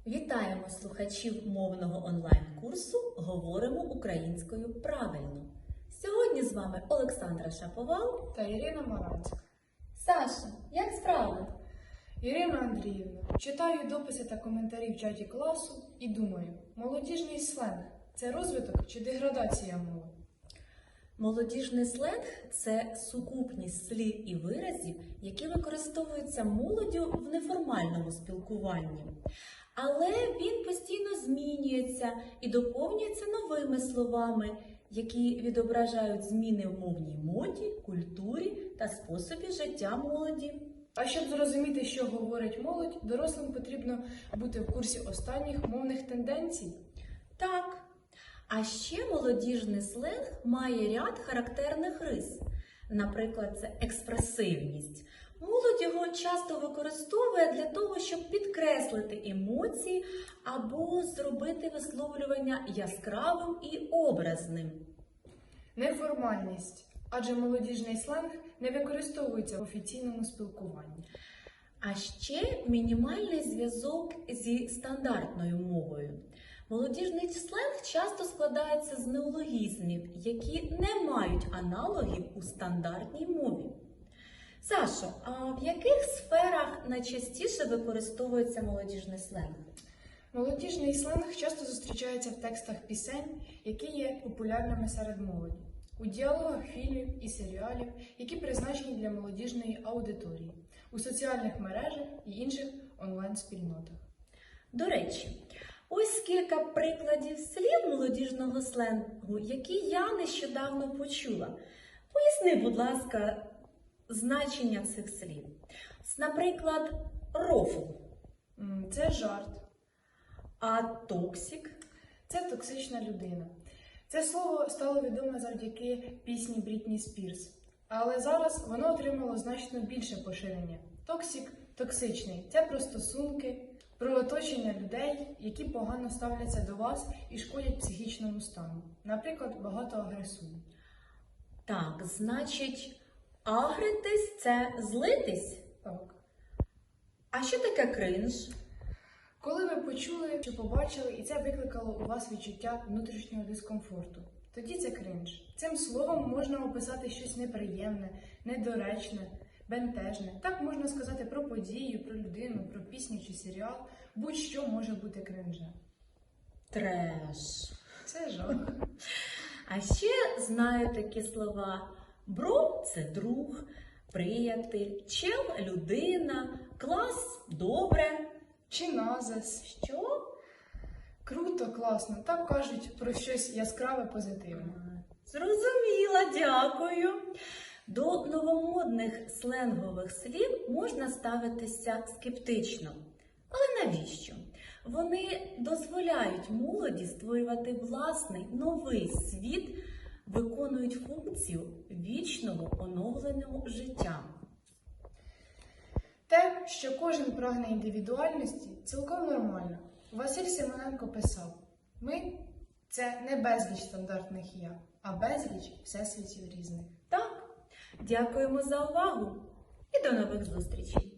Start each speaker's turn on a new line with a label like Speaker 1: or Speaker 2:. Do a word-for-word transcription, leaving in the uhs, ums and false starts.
Speaker 1: Вітаємо слухачів мовного онлайн-курсу «Говоримо українською правильно». Сьогодні з вами Олександра Шаповал
Speaker 2: та Ірина Маранська.
Speaker 1: Саша, як справи?
Speaker 2: Ірина Андріївна, читаю дописи та коментарі в чаті класу і думаю, молодіжний сленг – це розвиток чи деградація мови?
Speaker 1: Молодіжний сленг – це сукупність слів і виразів, які використовуються молоддю в неформальному спілкуванні. Але він постійно змінюється і доповнюється новими словами, які відображають зміни в мовній моді, культурі та способі життя молоді.
Speaker 2: А щоб зрозуміти, що говорить молодь, дорослим потрібно бути в курсі останніх мовних тенденцій.
Speaker 1: Так. А ще молодіжний сленг має ряд характерних рис. Наприклад, це експресивність. Молодь його часто використовує для того, щоб підкреслити емоції або зробити висловлювання яскравим і образним.
Speaker 2: Неформальність, адже молодіжний сленг не використовується в офіційному спілкуванні.
Speaker 1: А ще мінімальний зв'язок зі стандартною мовою. Молодіжний сленг часто складається з неологізмів, які не мають аналогів у стандартній мові. Сашо, а в яких сферах найчастіше використовується молодіжний сленг?
Speaker 2: Молодіжний сленг часто зустрічається в текстах пісень, які є популярними серед молоді, у діалогах фільмів і серіалів, які призначені для молодіжної аудиторії, у соціальних мережах і інших онлайн-спільнотах.
Speaker 1: До речі, ось кілька прикладів слів молодіжного сленгу, які я нещодавно почула. Поясни, будь ласка, значення цих слів. Наприклад, рофл.
Speaker 2: Це жарт.
Speaker 1: А токсик?
Speaker 2: Це токсична людина. Це слово стало відоме завдяки пісні Брітні Спірс. Але зараз воно отримало значно більше поширення. Токсик – токсичний. Це про стосунки, про оточення людей, які погано ставляться до вас і шкодять психічному стану. Наприклад, багато агресують.
Speaker 1: Так, значить, агритись – це злитись?
Speaker 2: Так.
Speaker 1: А що таке кринж?
Speaker 2: Коли ви почули чи побачили, і це викликало у вас відчуття внутрішнього дискомфорту, тоді це кринж. Цим словом можна описати щось неприємне, недоречне, бентежне. Так можна сказати про подію, про людину, про пісню чи серіал. Будь-що може бути кринжем.
Speaker 1: Треш.
Speaker 2: Це жах.
Speaker 1: А ще знаю такі слова. Бро – це друг, приятель, чел – людина, клас – добре.
Speaker 2: Чи назис.
Speaker 1: Що?
Speaker 2: Круто, класно. Так кажуть про щось яскраве, позитивне.
Speaker 1: Зрозуміла, дякую. До новомодних сленгових слів можна ставитися скептично. Але навіщо? Вони дозволяють молоді створювати власний новий світ, виконують функцію вічного оновленого життя.
Speaker 2: Те, що кожен прагне індивідуальності, цілком нормально. Василь Симоненко писав: «Ми – це не безліч стандартних «я», а безліч всесвітів різних».
Speaker 1: Так, дякуємо за увагу і до нових зустрічей!